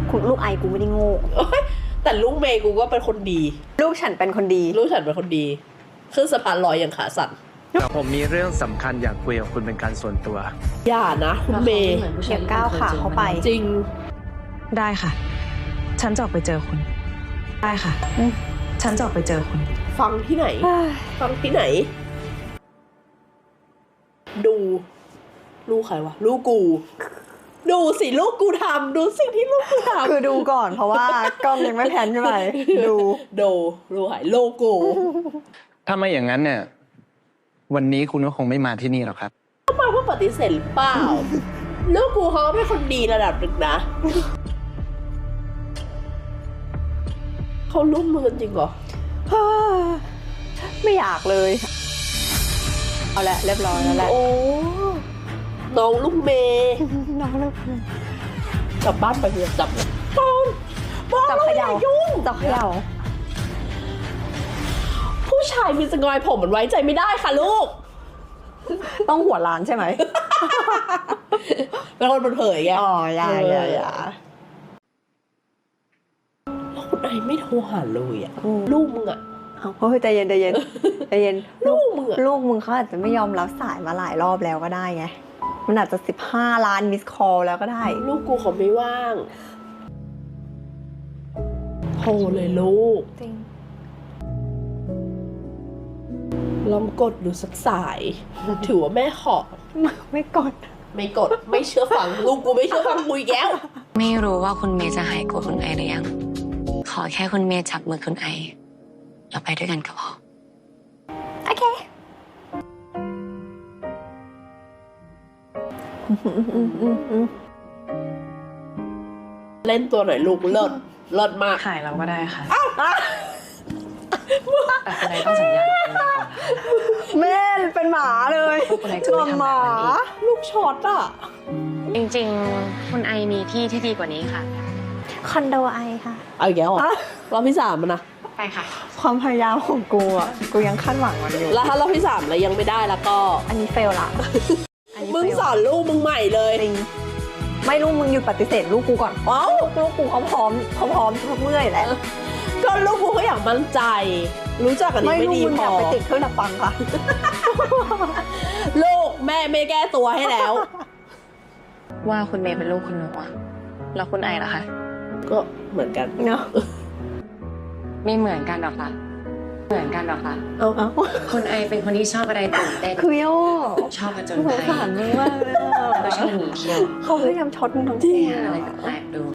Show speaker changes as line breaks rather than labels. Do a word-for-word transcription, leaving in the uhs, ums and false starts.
คุณลูกไอกูไม่ได้โง่
แต่ลูกเมย์กูก็เป็นคนดี
ลูกฉันเป็นคนดี
ลูกฉันเป็นคนดีขึ้นสะพานลอยอย่างขาสั่น
แต่ผมมีเรื่องสำคัญอยากคุยกับคุณเป็นการส่วนตัว
อย่านะคุณเมย์
เก็บก้าวขาเข้าไป
จริง
ได้ค่ะ ฉันจะออกไปเจอคุณ ได้ค่ะ ฉันจะออกไปเจอคุณ
ฟังที่ไหน ฟังที่ไหน ดู ลูกใครวะ ลูกกู ดูสิลูกกูทำดูสิ่งที่ลูกกูทำ
คือดูก่อนเพราะว่ากล้องยังไม่แพนใช่ไหมดู
ดูดูหายลูกกู
ถ้าไม่อย่างนั้นเนี่ย วันนี้คุณก็คงไม่มาที่นี่หรอกครับ
มาเพื่อปฏิเสธหรือเปล่า ลูกกูเขาเป็นคนดีระดับหนึ่งนะ เขาร่วมมือกันจริงเหรอ
ไม่อยากเลย เอาละเรียบร้อยแล้วแหละ
โอ้ น้องลูกเมย์
น้องเลิก
กลับบ้านไปเถอะจับเลยปอนปอน
จับ
เรา
เข
อย่า
ย่า
ยุ่ง
จับเขย่า
ผู้ชายมีสงอยผมมันไว้ใจไม่ได้ค่ะลูก
ต้องหัวล้านใช่ไหม
เป็นคนเผยๆไง
อ๋ออย่าอย่าอย่า
แล้วคุณไอไม่โทรหาเลยอ่ะ
อืม
ลูกมึงอ่ะ
เอาเฮ้ยใจเย็นใจเย็นใจเย็น
ลูกมึงอะ
ลูกมึงเขาอาจจะไม่ยอมรับสายมาหลายรอบแล้วก็ได้ไง มันอาจจะสิบห้าล้านมิสคอลแล้วก็ได้
ลูกกูเขาไม่ว่างโทรเลยลูก
จริง
ลองกดดูสักสาย ถือว่าแม่ขอ
ไม่กด
ไม่กด ไม่เชื่อฟัง ลูกกูไม่เชื่อฟังกูอีกแล้ว
ไม่รู้ว่าคุณเมย์จะหายโกรธคุณไอหรือยัง ขอแค่คุณเมย์จับมือคุณไอเราไปด้วยกันก็พอ
โอเค
เล่นตัวหน่อยลูกเลิศเลิศมาก
ถ่ายเราก็ได้ค่ะ แต่คุณไอต้องสัญญาคุณไอก่อนนะคะ
แม่เป็นหมาเลย
ว่าคุณไอจะไม่ทำแบบนั้นอีก
ลูกช็อตอ่ะ
จริงๆ คุณไอมีที่ที่ดีกว่านี้ค่ะ
คอนโดไอค่ะ
เอาอีกแล้วเหรอ
อ่ะ
รอบที่สามมันนะ
ไปค่ะ
ความพยายามของกูอ่ะ กูยังคาดหวังมันอยู่
แล้วถ้ารอบที่สามแล้วยังไม่ได้แล้วก็
อันนี้เฟลละอันนี้
มึง
fail
สอนลูกมึงใหม่เลย
จริง ไม่ลูกมึงหยุดปฏิเสธลูกกูก่อน
เอ้า
ลูกกูเขาพร้อมเขาพร้อมทุกเมื่อยแล้ว
ก็ลูกกูเขาอยากมั่นใจ รู้จักกันนี้
ไม่
ไม่
ลูก
ดี
มึง
พ
อยา
อก
ไปติดเครื่องดับฟังค่ะ
ลูกแม่ไม่แก้ตัวให้แล้ว
ว่าคุณเมย์เป็นลูกคุณหนูอะแล้วคุณไอล่ะคะ
ก็เหมือนกัน
เนาะ
ไม่เหมือนกันหรอกค่ะ เหมือนกันหรอกค่ะ
เอา
เอ้า
คุณไอเป็นคนที่ชอบอะไรตื่นเต้น
คือโย่
ชอบผจญ
สง
ภัย
สารมึงมากเลยอะ
ก็ชอบหนีเที่ยว
เขาพยายามช็อตมึงทั้ง
จริง
ตัว
อะไรแปลกๆดู